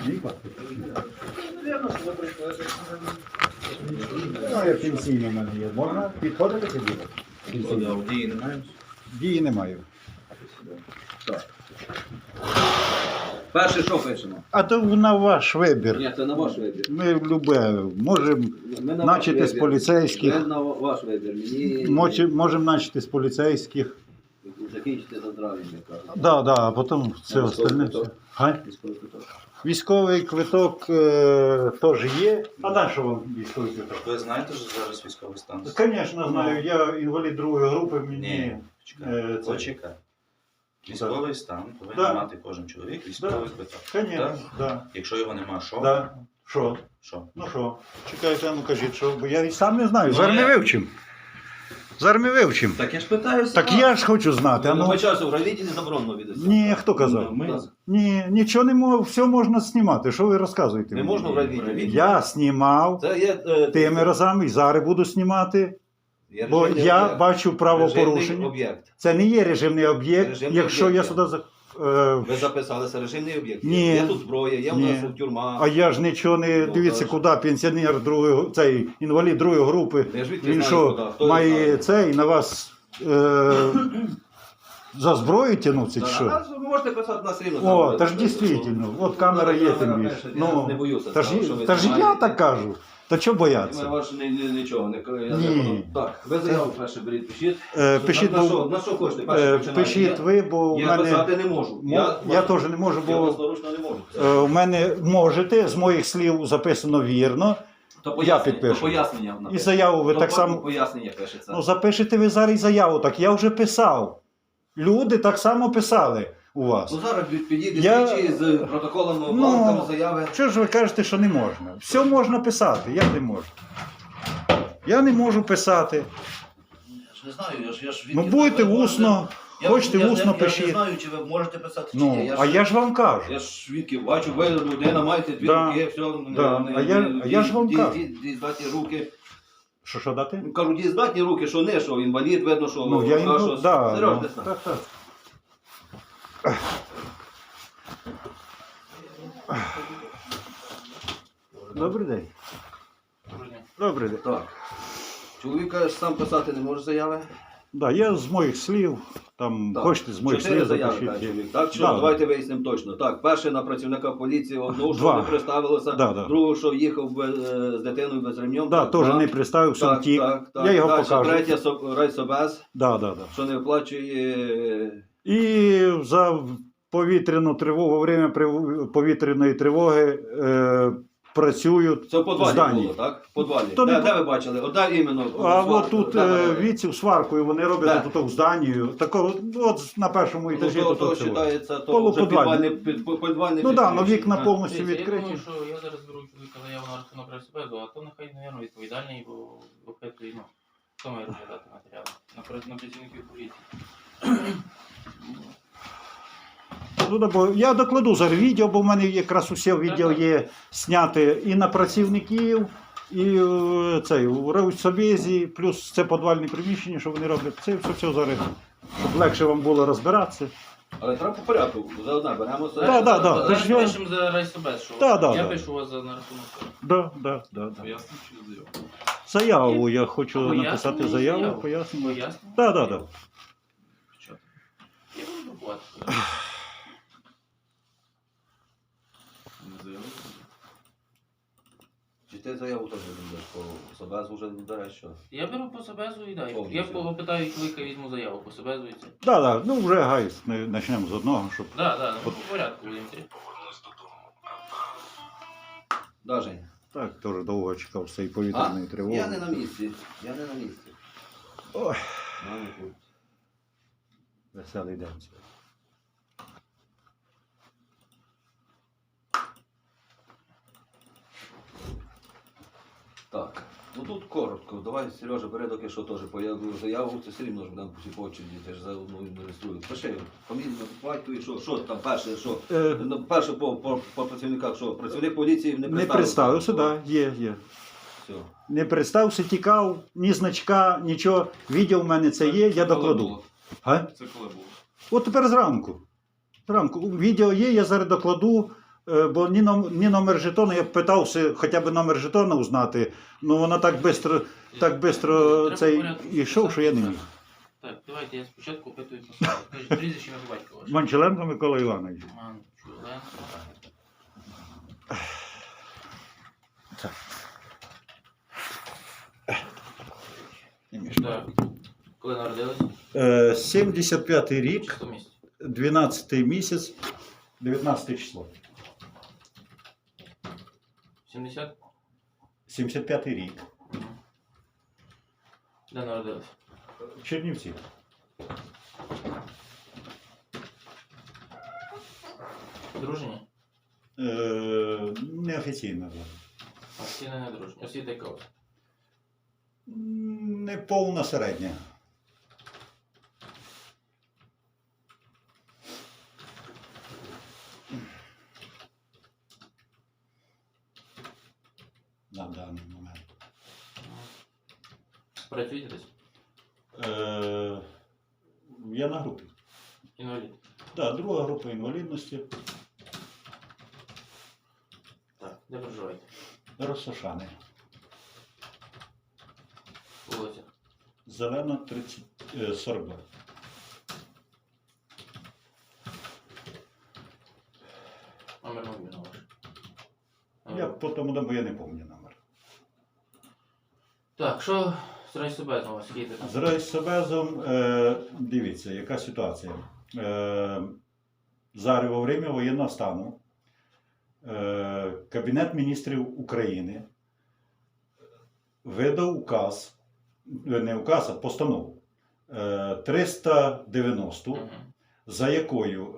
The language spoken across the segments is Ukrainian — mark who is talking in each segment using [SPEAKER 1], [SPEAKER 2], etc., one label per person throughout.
[SPEAKER 1] Ну, я пенсійний в мене є. Можна підходити чи діло?
[SPEAKER 2] Підходив, дії не маєш?
[SPEAKER 1] Дії не маю.
[SPEAKER 2] Так. Перше, що пишемо?
[SPEAKER 1] А то на ваш вибір.
[SPEAKER 2] Ні, це на ваш вибір.
[SPEAKER 1] Ми любе, можемо
[SPEAKER 2] Ми на
[SPEAKER 1] начати
[SPEAKER 2] ваш
[SPEAKER 1] з
[SPEAKER 2] вибір.
[SPEAKER 1] поліцейських.
[SPEAKER 2] Ми на ваш вибір. Мені
[SPEAKER 1] Можемо начати з поліцейських.
[SPEAKER 2] закінчити за травень, я кажу.
[SPEAKER 1] Да, да, а потім все
[SPEAKER 2] А
[SPEAKER 1] остальне.
[SPEAKER 2] військовий
[SPEAKER 1] Га?
[SPEAKER 2] Військовий квиток.
[SPEAKER 1] Військовий квиток теж є. А на що вам військовий квиток?
[SPEAKER 3] Ви знаєте, що зараз військовий стан?
[SPEAKER 1] Звісно, знаю. Я інвалід другої групи, мені.
[SPEAKER 3] Ні, почекай.
[SPEAKER 1] це-
[SPEAKER 3] Почекай. Військовий стан повинен
[SPEAKER 1] Да.
[SPEAKER 3] мати кожен чоловік військовий квиток.
[SPEAKER 1] Звісно,
[SPEAKER 3] Так?
[SPEAKER 1] да.
[SPEAKER 3] Якщо його нема, що?
[SPEAKER 1] Да. Що?
[SPEAKER 3] Що?
[SPEAKER 1] Ну що? Чекайте, а ну кажіть, що? Бо я і сам не знаю.
[SPEAKER 3] Ну,
[SPEAKER 1] Зараз ми
[SPEAKER 3] я-
[SPEAKER 1] вивчимо. Зараз ми вивчимо.
[SPEAKER 2] Так я ж питаюся.
[SPEAKER 1] Так я ж хочу знати. А
[SPEAKER 2] Ну,
[SPEAKER 1] ну...
[SPEAKER 2] по часу в райвідділі заборонено відео.
[SPEAKER 1] Ні, хто казав?
[SPEAKER 3] Ну, ми-
[SPEAKER 1] Ні, нічого не можу, все можна знімати. Що ви розказуєте?
[SPEAKER 2] Не
[SPEAKER 1] мені?
[SPEAKER 2] можна в райвідділі.
[SPEAKER 1] Я знімав
[SPEAKER 2] Це є...
[SPEAKER 1] тими разами і зараз буду знімати,
[SPEAKER 2] є
[SPEAKER 1] бо
[SPEAKER 2] режимний
[SPEAKER 1] я
[SPEAKER 2] об'єкт.
[SPEAKER 1] бачу
[SPEAKER 2] Режимний
[SPEAKER 1] правопорушення.
[SPEAKER 2] об'єкт.
[SPEAKER 1] Це не є режимний об'єкт,
[SPEAKER 2] Режимний
[SPEAKER 1] якщо
[SPEAKER 2] об'єкт,
[SPEAKER 1] я
[SPEAKER 2] так.
[SPEAKER 1] сюди...
[SPEAKER 2] Ви записалися режимний об'єкт.
[SPEAKER 1] Ні.
[SPEAKER 2] Є тут зброя, є в
[SPEAKER 1] Ні.
[SPEAKER 2] нас тюрма.
[SPEAKER 1] А я ж нічого не...
[SPEAKER 2] Ну,
[SPEAKER 1] Дивіться,
[SPEAKER 2] так.
[SPEAKER 1] куди пенсіонер другої... Цей інвалід другої групи.
[SPEAKER 2] Я ж відки
[SPEAKER 1] Він
[SPEAKER 2] знаю,
[SPEAKER 1] що,
[SPEAKER 2] куди. Хто
[SPEAKER 1] має
[SPEAKER 2] його знає?
[SPEAKER 1] цей на вас за зброю тягнутися чи
[SPEAKER 2] Так,
[SPEAKER 1] що?
[SPEAKER 2] а ви можете писати на рівно.
[SPEAKER 1] О, та ж дійсно, от камера є тим більше.
[SPEAKER 2] Я не боюся.
[SPEAKER 1] Та ж
[SPEAKER 2] сказав, що ви
[SPEAKER 1] я
[SPEAKER 2] знімаєте.
[SPEAKER 1] так кажу. Та чого
[SPEAKER 2] Ми
[SPEAKER 1] бояться?
[SPEAKER 2] ваш нічого не я
[SPEAKER 1] Ні.
[SPEAKER 2] закону. Так, ви заяву перше беріть, пишіть.
[SPEAKER 1] Пишіть,
[SPEAKER 2] на,
[SPEAKER 1] бо-
[SPEAKER 2] що, на що хочете? Перше починайте.
[SPEAKER 1] Пишіть ви, бо в
[SPEAKER 2] Я
[SPEAKER 1] мене...
[SPEAKER 2] писати не можу.
[SPEAKER 1] Я теж не можу,
[SPEAKER 2] Я
[SPEAKER 1] бо
[SPEAKER 2] власноручно не можу.
[SPEAKER 1] у мене можете, з моїх слів записано вірно.
[SPEAKER 2] То
[SPEAKER 1] я підпишу.
[SPEAKER 2] То пояснення.
[SPEAKER 1] І заяву ви
[SPEAKER 2] То
[SPEAKER 1] так само...
[SPEAKER 2] Пояснення пишеться.
[SPEAKER 1] Ну, запишете ви зараз і заяву, так я вже писав. Люди так само писали у вас.
[SPEAKER 2] Ну зараз підійде
[SPEAKER 1] Я-
[SPEAKER 2] слідчий з протоколом
[SPEAKER 1] Ну,
[SPEAKER 2] бланком заяви.
[SPEAKER 1] Що ж ви кажете, що не можна? Все можна писати, я не можу. Я не можу писати.
[SPEAKER 4] Я ж не знаю, я ж
[SPEAKER 1] Ну будете усно, хочете усно
[SPEAKER 4] Я не
[SPEAKER 1] пишіть.
[SPEAKER 4] знаю, чи ви можете писати, чи
[SPEAKER 1] Ну,
[SPEAKER 4] ні.
[SPEAKER 1] а я ж вам кажу.
[SPEAKER 2] Я ж свідків бачу, ви людина маєте дві
[SPEAKER 1] Да.
[SPEAKER 2] руки, все.
[SPEAKER 1] Да. А я ж вам кажу.
[SPEAKER 2] Дієздатні руки.
[SPEAKER 1] Що дати?
[SPEAKER 2] Ну, кажу, дієздатні руки, що не, що інвалід, видно, що...
[SPEAKER 1] Ну, я
[SPEAKER 2] а
[SPEAKER 1] їм...
[SPEAKER 2] що,
[SPEAKER 1] Да,
[SPEAKER 2] Серйозно,
[SPEAKER 1] ну,
[SPEAKER 2] не знаю.
[SPEAKER 1] так, так. Добрий день. Добрий день.
[SPEAKER 2] Так. Чоловік каже, сам писати не може заяви.
[SPEAKER 1] Да, я з моїх слів, там,
[SPEAKER 2] Так.
[SPEAKER 1] хочете з моїх
[SPEAKER 2] 4
[SPEAKER 1] слів
[SPEAKER 2] заяви, каже
[SPEAKER 1] запишіть.
[SPEAKER 2] чоловік. Так, що
[SPEAKER 1] Да.
[SPEAKER 2] давайте вияснимо точно. Так, перше на працівника поліції, одного, що
[SPEAKER 1] Два.
[SPEAKER 2] не представилося,
[SPEAKER 1] Да, да.
[SPEAKER 2] другого, що їхав з дитиною без ремнем.
[SPEAKER 1] Да,
[SPEAKER 2] так,
[SPEAKER 1] теж
[SPEAKER 2] два.
[SPEAKER 1] не представився,
[SPEAKER 2] Так,
[SPEAKER 1] втік.
[SPEAKER 2] так, так.
[SPEAKER 1] Я його
[SPEAKER 2] Далі,
[SPEAKER 1] покажу.
[SPEAKER 2] Третє, райсобез,
[SPEAKER 1] Да, да, да.
[SPEAKER 2] що не виплачує...
[SPEAKER 1] І за повітряну тривогу, во время повітряної тривоги працюють
[SPEAKER 2] Це в
[SPEAKER 1] в
[SPEAKER 2] подвалі
[SPEAKER 1] зданні.
[SPEAKER 2] було, так? В подвалі.
[SPEAKER 1] То не
[SPEAKER 2] Де ви бачили? Одай іменно.
[SPEAKER 1] А
[SPEAKER 2] сварку,
[SPEAKER 1] от тут
[SPEAKER 2] де ви робили?
[SPEAKER 1] віців сваркою вони роблять
[SPEAKER 2] Де?
[SPEAKER 1] тут в зданні. Такого, от на першому
[SPEAKER 2] Ну,
[SPEAKER 1] етажі
[SPEAKER 2] то
[SPEAKER 1] тут цього.
[SPEAKER 2] вважається, то вже
[SPEAKER 1] Полуподвальне.
[SPEAKER 2] підвальне
[SPEAKER 1] Ну так,
[SPEAKER 2] підключення.
[SPEAKER 1] ну вікна
[SPEAKER 2] А.
[SPEAKER 1] повністю
[SPEAKER 5] Дивіться, я
[SPEAKER 1] відкриті.
[SPEAKER 5] думаю, що я зараз беру чоловіка заяву на рахунок райсобезу, а то нехай, мабуть, відповідальний, бо випитує, ну, хто має розглядати матеріали? На працівників поліції.
[SPEAKER 1] Ну, да, бо я докладу зараз відео, бо в мене якраз усе відео є зняти і на працівників, і цей, у райсобезі, плюс це подвальне приміщення, що вони роблять. Це все зараз, щоб легше вам було розбиратися.
[SPEAKER 2] Але треба по порядку, за одне беремо все.
[SPEAKER 1] Да, да, да.
[SPEAKER 5] Зараз
[SPEAKER 1] Тож я-
[SPEAKER 5] пишемо за райсобез, що
[SPEAKER 1] Да, да,
[SPEAKER 5] я
[SPEAKER 1] да.
[SPEAKER 5] пишу вас за на рахунок.
[SPEAKER 1] Да.
[SPEAKER 5] Поясню, чи заяву?
[SPEAKER 1] Заяву я хочу
[SPEAKER 5] Пояснення,
[SPEAKER 1] написати заяву, пояснення.
[SPEAKER 5] Поясню?
[SPEAKER 1] Да.
[SPEAKER 5] Що? Я буду друкувати. Не заяву.
[SPEAKER 2] Чи ти заяву теж будеш по собезу вже береш, що?
[SPEAKER 5] Я беру по собезу і дай.
[SPEAKER 2] Повністю.
[SPEAKER 5] Я попитаю чоловіка, візьму заяву по собезу і це.
[SPEAKER 1] Да, ну вже гайс, почнемо з одного, щоб.
[SPEAKER 5] Да, ну, по порядку будемо йти.
[SPEAKER 2] Да, Жень?
[SPEAKER 1] Так, теж довго чекав з цієї повітряної тривоги.
[SPEAKER 2] Я не на місці.
[SPEAKER 1] Ой,
[SPEAKER 2] Мамі тут.
[SPEAKER 1] веселий день.
[SPEAKER 2] Так. Ну тут коротко. Давай, Сережа, бери доки що теж появлю заяву, це все рівно ж будемо всі по очереді, ти ж за одну реєструю. Пиши, фамілію, батько і що там перше, що? Ну, перше по працівниках, що? Працівник поліції не
[SPEAKER 1] Не
[SPEAKER 2] представився.
[SPEAKER 1] представився, так, є.
[SPEAKER 2] Все.
[SPEAKER 1] Не представився, тікав, ні значка, нічого. Відео в мене це є, я докладу. А?
[SPEAKER 5] Це коли було?
[SPEAKER 1] От тепер зранку. Відео є, я зараз докладу. Бо ні номер жетону, я питався хоча б номер жетону узнати, ну вона так швидко
[SPEAKER 5] Треба
[SPEAKER 1] цей
[SPEAKER 5] порядку
[SPEAKER 1] йшов, що я не міг.
[SPEAKER 5] Так, давайте я спочатку опитую по собі. Скажіть, прізвище ім'я по батьку ваше.
[SPEAKER 1] Манчеленко Микола Іванович.
[SPEAKER 5] Манчуленко. Так. Коли народились?
[SPEAKER 1] 75-й рік,
[SPEAKER 5] Число місяць.
[SPEAKER 1] 12-й місяць, 19 число.
[SPEAKER 5] 70?
[SPEAKER 1] 75-й рік.
[SPEAKER 5] Де народились?
[SPEAKER 1] Чернівці.
[SPEAKER 5] Дружні?
[SPEAKER 1] Неофіційно.
[SPEAKER 5] Офіційно не дружні. Освіта яка? у вас?
[SPEAKER 1] Не повна середня. На даний момент.
[SPEAKER 5] Працюєте десь?
[SPEAKER 1] Я на групі.
[SPEAKER 5] Інвалід?
[SPEAKER 1] Так, друга група інвалідності.
[SPEAKER 5] Так. Де проживаєте?
[SPEAKER 1] Розсошани.
[SPEAKER 5] Вулиця?
[SPEAKER 1] Зелена 42.
[SPEAKER 5] Номер мобільного ваш?
[SPEAKER 1] Я по тому дому я не пам'ятаю номер.
[SPEAKER 5] Так, що з райсобезом у вас? Скільки там?
[SPEAKER 1] З райсобезом, дивіться, яка ситуація. Зараз во время воєнного стану Кабінет міністрів України видав указ, не указ, а постанову 390,
[SPEAKER 5] Мгм.
[SPEAKER 1] за якою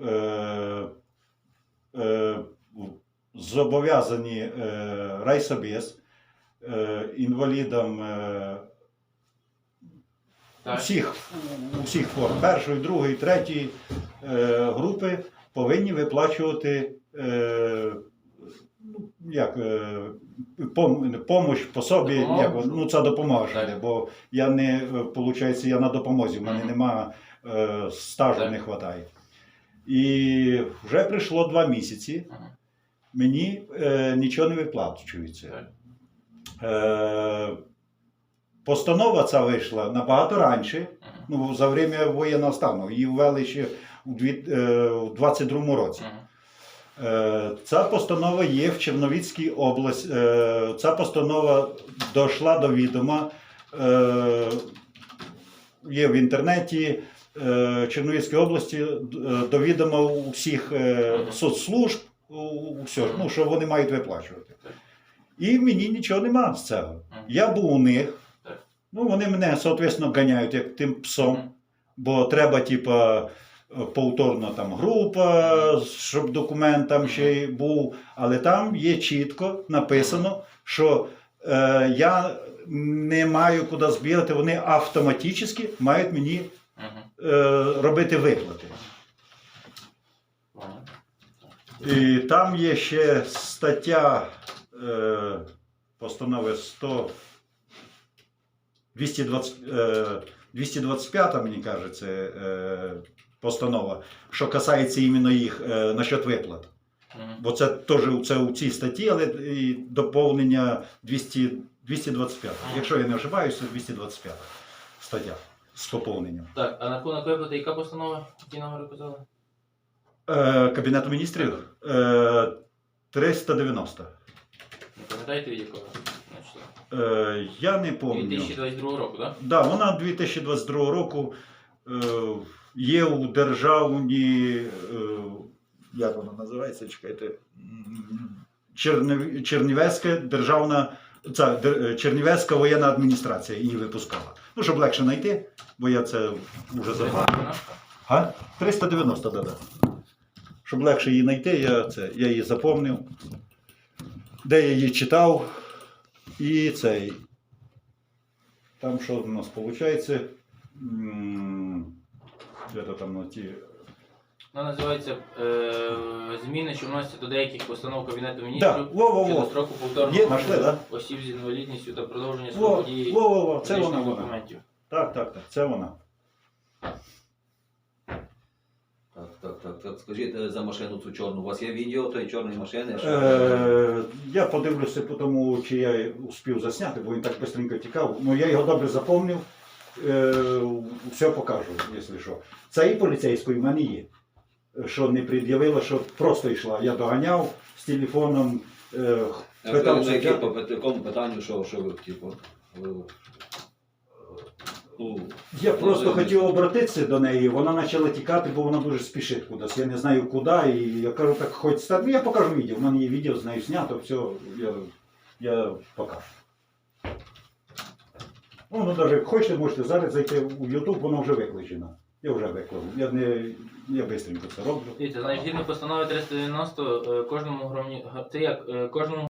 [SPEAKER 1] зобов'язані райсобез інвалідам
[SPEAKER 5] Так.
[SPEAKER 1] усіх форм, першої, другої, третьої групи повинні виплачувати помощь по собі,
[SPEAKER 5] Допомогу?
[SPEAKER 1] ну це допомога,
[SPEAKER 5] Так.
[SPEAKER 1] бо я не, виходить, я на допомозі, в мене
[SPEAKER 5] Мгм.
[SPEAKER 1] нема стажу,
[SPEAKER 5] Так.
[SPEAKER 1] не вистачає. І вже прийшло 2 місяці,
[SPEAKER 5] Мгм.
[SPEAKER 1] мені нічого не виплачується.
[SPEAKER 5] Так.
[SPEAKER 1] Постанова ця вийшла набагато раніше,
[SPEAKER 5] Мгм.
[SPEAKER 1] ну, за время воєнного стану. Її ввели ще у 22-му році.
[SPEAKER 5] Мгм.
[SPEAKER 1] Ця постанова є в Чернівецькій області. Ця постанова дійшла до відома. Є в інтернеті Чернівецької області до відома у всіх соцслужб, у всього, ну, що вони мають виплачувати.
[SPEAKER 5] Так.
[SPEAKER 1] І мені нічого нема з цього. Я був у них.
[SPEAKER 5] Так.
[SPEAKER 1] Ну, вони мене, соответственно, ганяють як тим псом,
[SPEAKER 5] Мгм.
[SPEAKER 1] бо треба, типа, повторно там група, щоб документ там ще й був. Але там є чітко написано, що я не маю куди збігати, вони автоматично мають мені
[SPEAKER 5] Мгм.
[SPEAKER 1] робити виплати.
[SPEAKER 5] Ладно.
[SPEAKER 1] І там є ще стаття постанови 225, мені кажеться, постанова, що касається іменно їх насчет виплат.
[SPEAKER 5] Мгм.
[SPEAKER 1] Бо це теж у цій статті, але і доповнення 225. Якщо я не ошибаюся, це 225 стаття з доповненням.
[SPEAKER 5] Так, а на рахунок виплати яка постанова? Які номери казали?
[SPEAKER 1] Кабінету міністрів 390.
[SPEAKER 5] Не пам'ятаєте від якого? Значить,
[SPEAKER 1] Я не пам'ятаю.
[SPEAKER 5] 2022 року, так?
[SPEAKER 1] Да, вона 2022 року є у державній, як вона називається, чекайте, Чернівецька державна, Чернівецька воєнна адміністрація її випускала. Ну, щоб легше знайти, бо я це вже забув. А? 390, да. Щоб легше її знайти, я її запомнив, де я її читав, і цей. Там що у нас виходить? Де-то там на ті.
[SPEAKER 5] Вона називається зміни, що вносяться до деяких постанов Кабінету
[SPEAKER 1] Да,
[SPEAKER 5] міністрів щодо
[SPEAKER 1] во-во-во.
[SPEAKER 5] строку повторного
[SPEAKER 1] Є, знайшли, да?
[SPEAKER 5] осіб з інвалідністю та продовження
[SPEAKER 1] Во,
[SPEAKER 5] строку дії
[SPEAKER 1] во-во-во, це
[SPEAKER 5] фізичних
[SPEAKER 1] вона.
[SPEAKER 5] документів.
[SPEAKER 1] Так, це вона.
[SPEAKER 2] Так, Так, скажіть за машину цю чорну. У вас є відео тої чорної машини?
[SPEAKER 1] Я подивлюся по тому, чи я успів засняти, бо він так швидко тікав. Ну я його добре запомнив. Все покажу, якщо що. Це і поліцейської в мене є. Що не пред'явила, що просто йшла. Я доганяв з телефоном, питав суддя.
[SPEAKER 2] По якому питанню, що ви, типу, ну,
[SPEAKER 1] Я просто хотів обратитися до неї, вона почала тікати, бо вона дуже спішить кудись. Я не знаю куди, і я кажу, так хоч стати. Я покажу відео, в мене є відео, з нею знято, все, я покажу. Ну, навіть хочете, можете зараз зайти у YouTube, воно вже викладено. Я вже виклав. Я швидко це роблю.
[SPEAKER 5] Дивіться, значить, згідно постанови 390, кожному кожному